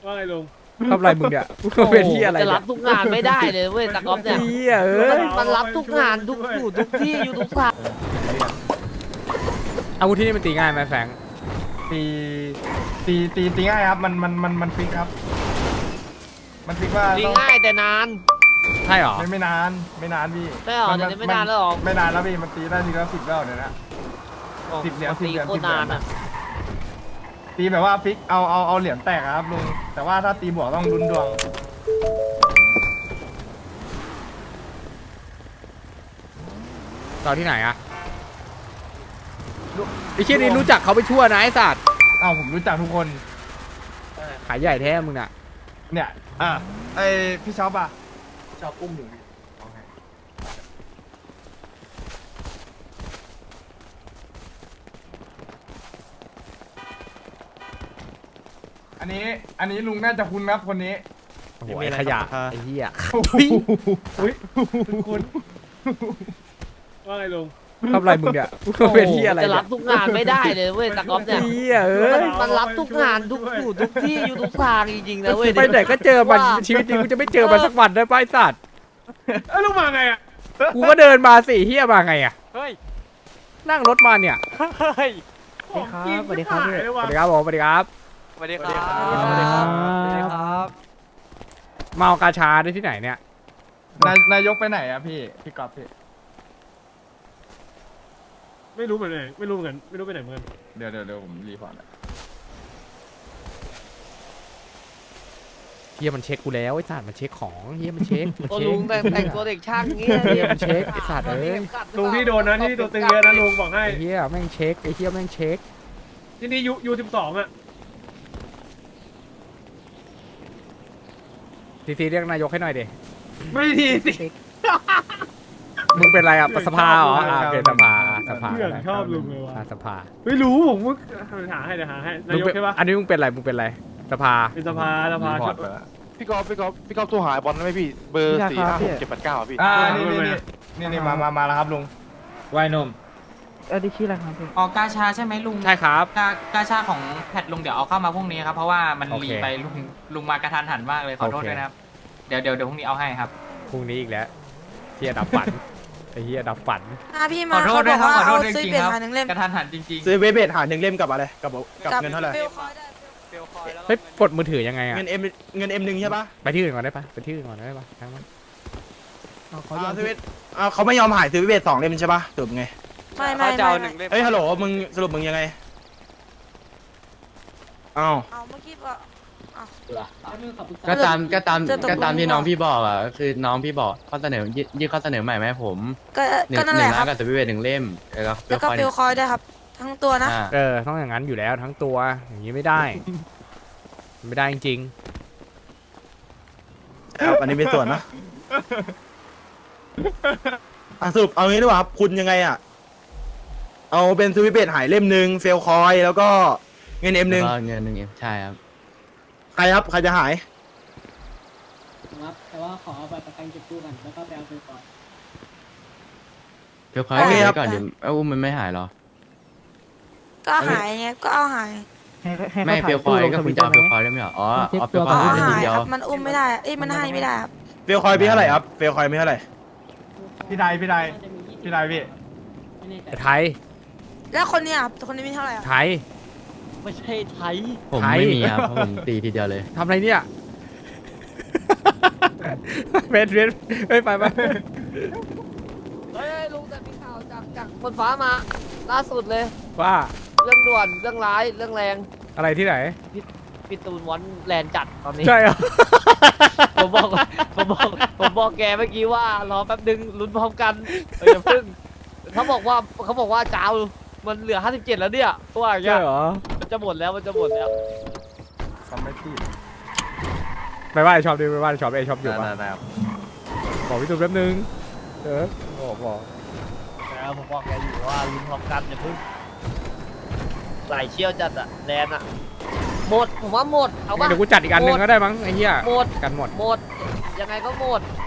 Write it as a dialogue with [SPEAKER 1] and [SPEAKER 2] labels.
[SPEAKER 1] ว่าไงลุง
[SPEAKER 2] ทำอะไรมึงเนี่ยเป็นที่อะไร
[SPEAKER 3] จะรับทุกงานไม่ได้เลยเว้ยตะก๊อฟเนี่ย มันรับทุกงานทุกอยู่ทุกที่อยู่ทุกทาง
[SPEAKER 2] อาวุธที่นี่มันตีง่ายไหมแฟง
[SPEAKER 4] ตีง่ายครับมันฟิกครับมันฟิกว่า
[SPEAKER 3] ดี
[SPEAKER 4] ต้อง
[SPEAKER 3] ง่ายแต่นาน
[SPEAKER 2] ใช่หรอ
[SPEAKER 4] ไม่นานไม่นานพี่
[SPEAKER 3] ไม่หรอเดี๋ยวนี้ไม่นานแล้วหรอ
[SPEAKER 4] ไม่นานแล้วพี่มันตีได้ทีละ10แล้วเนี่ยนะ 10 เหรียญ
[SPEAKER 3] ตีโคตรนานอ่ะ
[SPEAKER 4] ตีแบบว่าฟิกเอาเหรียญแตกอะครับลุงแต่ว่าถ้าตีบวกต้องลุ้นดวง
[SPEAKER 2] ตอนที่ไหนอะไอ้เชี่ยนี่รู้จักเขาไปทั่วนะไอ้สัตว์
[SPEAKER 4] ผมรู้จักทุกคน
[SPEAKER 2] ขายใหญ่แท้มึงน่ะ
[SPEAKER 4] เนี่ยไอพี่ช็อปอะชอบอุ้มอยู่อันนี้ลุงน่าจะคุ้นครับคนนี้
[SPEAKER 2] โอ้โหไอ้ขยะไอ้เหี้ย
[SPEAKER 4] อุ้ยคุณ
[SPEAKER 1] ว่าไงลุง
[SPEAKER 2] ทำอะไรมึงเนี่ยเป็นที่อะไร
[SPEAKER 3] จะรับทุกงานไม่ได้เลยเว้ยตะก๊อฟเนี่ย
[SPEAKER 2] เหี้ย
[SPEAKER 3] มันรับทุกงานทุกอยู่ทุกที่อยู่ทุกทางจริงๆนะเว้ย
[SPEAKER 2] ไปไหนก็เจอมันชีวิตนี้กูจะไม่เจอมันสักวันได้ป่ะไอ้สัตว์
[SPEAKER 1] ลุงมาไงอ่ะ
[SPEAKER 2] กูก็เดินมาสิเหี้ยมาไงอะ
[SPEAKER 1] เฮ้ย
[SPEAKER 2] นั่งรถมาเนี่ย
[SPEAKER 1] เฮ้ย
[SPEAKER 2] สวัสดีครับ
[SPEAKER 1] เลย
[SPEAKER 2] ส
[SPEAKER 1] ว่ะ
[SPEAKER 2] วัสดีครับผมสวัสดีครับ
[SPEAKER 3] สวัสดีครับ
[SPEAKER 2] สวัสดีครับ
[SPEAKER 3] สวัสดีครับ
[SPEAKER 2] เมากาชาได้ที่ไหนเนี่ย
[SPEAKER 4] นายกไปไหนอะพี่กอล์ฟพี่
[SPEAKER 1] ไม่รู้เหมือนกันไม่รู้เหมือนกันไม่รู้ไปไหนเหมือนกัน
[SPEAKER 4] เดี๋ยวผมรีพอร์ตอะ
[SPEAKER 2] เฮียมันเช็คกูแล้วไอ้สัตว์มันเช็คของเฮียมันเช็ค
[SPEAKER 3] โอ้ลุงแต่งตัวเด็กช่างงี้
[SPEAKER 2] เฮียมันเช็คไอ้สัตว์เอ้ย
[SPEAKER 1] ลุงที่โดนนะที่ตัวตึงเยอะนะลุงบอกให้
[SPEAKER 2] ไอ้เฮียแม่งเช็คไอ้เฮียแม่งเช็ค
[SPEAKER 1] ที่นี่ยู12อ่ะ
[SPEAKER 2] ทีเรียกนายกให้หน่อยดิ
[SPEAKER 1] ไม่ดีสิ
[SPEAKER 2] มึงเป็นไรอ่ะสภาเหรอโอเคสภา
[SPEAKER 1] เพื่อนชอบลุงเลยว่ะ
[SPEAKER 2] สภา
[SPEAKER 1] ไม่รู้ผมมึงหาให้เดี๋ยวหาให้นายกใช่ปะ
[SPEAKER 2] อันนี้มึงเป็นไรมึงเป็นไรสภา
[SPEAKER 1] เป็นสภา
[SPEAKER 4] รีพอ
[SPEAKER 1] ช
[SPEAKER 4] ร์
[SPEAKER 1] อ
[SPEAKER 4] ต
[SPEAKER 1] บ
[SPEAKER 4] ไปแล้ว
[SPEAKER 5] พี่กอล์ฟโทรหาบอลได้ไหมพี่เบอร์456 789อ่ะพี่
[SPEAKER 4] นี่มาแล้วครับลุง
[SPEAKER 6] วายนม
[SPEAKER 7] ดิชื่ออะไรครับพี่
[SPEAKER 6] ออกกาชาใช่ไหมลุง
[SPEAKER 2] ใช่ครับ
[SPEAKER 6] กาชาของแพทลุงเดี๋ยวเอาเข้ามาพรุ่งนี้ครับเพราะว่ามัน
[SPEAKER 2] โอเค
[SPEAKER 6] รีไปลุงมากระทันหันมากเลยขอโทษ
[SPEAKER 2] โอเค
[SPEAKER 6] ด้วยนะครับเดี๋ยวพรุ่งนี้เอาให้ครับ
[SPEAKER 2] พรุ่งนี้อีกแล้วเฮียดับฝันไอ้เฮียดับฝัน
[SPEAKER 7] พี่
[SPEAKER 6] ข
[SPEAKER 7] มา
[SPEAKER 6] อโท
[SPEAKER 7] เขา
[SPEAKER 6] ษ
[SPEAKER 7] บ
[SPEAKER 6] ด้ว
[SPEAKER 7] อย ก
[SPEAKER 6] ครับ
[SPEAKER 7] ว่า
[SPEAKER 6] ขอโท
[SPEAKER 7] เอา
[SPEAKER 6] ษจ
[SPEAKER 7] ซื้อ
[SPEAKER 6] ริง
[SPEAKER 7] เปลี่ย
[SPEAKER 6] ๆ
[SPEAKER 7] น
[SPEAKER 6] ครับ
[SPEAKER 7] หาหนึ่งเล่ม
[SPEAKER 6] กระทันหันจริง
[SPEAKER 5] ซื้อเวเบทหา1 เล่มกับอะไรกับเงินเท่าไหร่
[SPEAKER 2] เฮ้ยปลดมือถือยังไงอ่ะ
[SPEAKER 5] เงิน M1 ใช่ปะ
[SPEAKER 2] ไปที่อื่นก่อนได้ปะไปที่อื่นก่อนได้ปะทั้งนั้น
[SPEAKER 5] ซื้อเวทเขาไม่ยอมหายซื้อเวเบท2 เล่มใช่ปะสรุปไง
[SPEAKER 7] ไม่
[SPEAKER 5] เฮ้ยฮัลโหลมึงสรุปมึงยังไงอ้าว
[SPEAKER 7] เอาเมื่อกี้ว่า
[SPEAKER 8] ก็ตามก็ตาม
[SPEAKER 7] จะตกลง
[SPEAKER 8] ก็ตามที่น้องพี่บอกอ่ะก็คือน้องพี่บอกข้อเสนอยื่นข้อเสนอใหม่มาให้ผม
[SPEAKER 7] ก็นั่นแหละค
[SPEAKER 8] ล้า
[SPEAKER 7] รั
[SPEAKER 8] น
[SPEAKER 7] บ
[SPEAKER 8] กับสวิตเวท1 เล่มแล้ว
[SPEAKER 7] แล้วก็ฟิลคอยด้วยครับ ทั้งตัวนะ
[SPEAKER 8] อ่า
[SPEAKER 2] ต้องอย่างนั้นอยู่แล้วทั้งตัวอย่างนี้ไม่ได้ ไม่ได้จริง
[SPEAKER 5] ครับอันนี้เป็นส่วนนะสรุปเอางี้ดีกว่าครับคุณยังไงอ่ะเอาเป็นซื้อเวเบทหายเล่มหนึ่งเฟลคอยแล้วก็เงิน M1
[SPEAKER 8] แล้วก็เงิน1 M ใช่ครับ
[SPEAKER 5] ใครครับใครจะหาย
[SPEAKER 9] แต่ว่าขอเอาบัตรประกันเก็บกู้ก่อนแล้วก็ไปเอาไปก่อน
[SPEAKER 8] เพียวคอย
[SPEAKER 5] โอเค
[SPEAKER 8] เก็บ
[SPEAKER 5] ครับ
[SPEAKER 8] ไว้ก่อนเดี๋ยวอุ้มมันไม่หายหรอ
[SPEAKER 7] ก็หายไงก็เอาหาย
[SPEAKER 8] ไม่เพียวคอยก็คุณจะเอาเพียวคอยได้ไหมเหรออ๋อเอาเพียวค
[SPEAKER 7] ก็
[SPEAKER 8] อย
[SPEAKER 7] เอา
[SPEAKER 8] ได้ที
[SPEAKER 7] หาย
[SPEAKER 8] เดีย
[SPEAKER 7] คว รับมันอุ้มไม่ได้มันให้ไม่ได้ครับ
[SPEAKER 5] เฟลคอยมีเท่าไหร่ครับเฟลคอยมีเท่าไหร่
[SPEAKER 4] พี่ไดพี่
[SPEAKER 9] น่าจะมี20
[SPEAKER 4] พี่
[SPEAKER 9] ไม่แน่ใจ
[SPEAKER 2] ๆไทย
[SPEAKER 7] แล้วคนเนี้ยครับคนนี้มีเท่าไหร่
[SPEAKER 2] ไทย
[SPEAKER 3] ไม่ใช่ไทย
[SPEAKER 8] ผม
[SPEAKER 2] ไทย
[SPEAKER 8] ไม่มีครับเพราะผมตีทีเดียวเลย
[SPEAKER 2] ทำอะไรเนี่ยเบสไป
[SPEAKER 3] เฮ้ยลุงแต่มีข่าวจากบนฟ้ามาล่าสุดเลย
[SPEAKER 2] ว่า
[SPEAKER 3] เรื่องด่วนเรื่องร้ายเรื่องแรง
[SPEAKER 2] อะไรที่ไหน
[SPEAKER 3] พี่ตูนวอนแลนจัดตอนนี้
[SPEAKER 2] ใช่เหรอ
[SPEAKER 3] ผมบอกแกเมื่อกี้ว่ารอแป๊บนึงลุ้นพร้อมกันอย่าเพิ่งเขาบอกว่าจ้าวมันเหลือ57แล้วเนี่ยว่าอย่างเงี้
[SPEAKER 2] ใช่
[SPEAKER 3] ย
[SPEAKER 2] เหรอ
[SPEAKER 3] มันจะหมดแล้ว
[SPEAKER 4] ทำไม่ผิด
[SPEAKER 2] ไปว่าไอช็อปดิไปว่าไอช็อปอยู่ปะ
[SPEAKER 4] ได้ครับ
[SPEAKER 2] บอกพี่ตุ้มแป๊บนึงบอก
[SPEAKER 3] แล้วผมบอกแกอยู่ว่าลุ้นพร้อมกันอย่าเพิ่งไหลเชี่ยวจัดอะแลนอะหมดผมว่าหมดเอาป่ะ
[SPEAKER 2] เดี๋ยวกูจัดอีกอันหนึ่งก็ได้มั้งไอ้เหี้ย
[SPEAKER 3] หมด
[SPEAKER 2] กันหมด
[SPEAKER 3] หมดยังไงก็หมด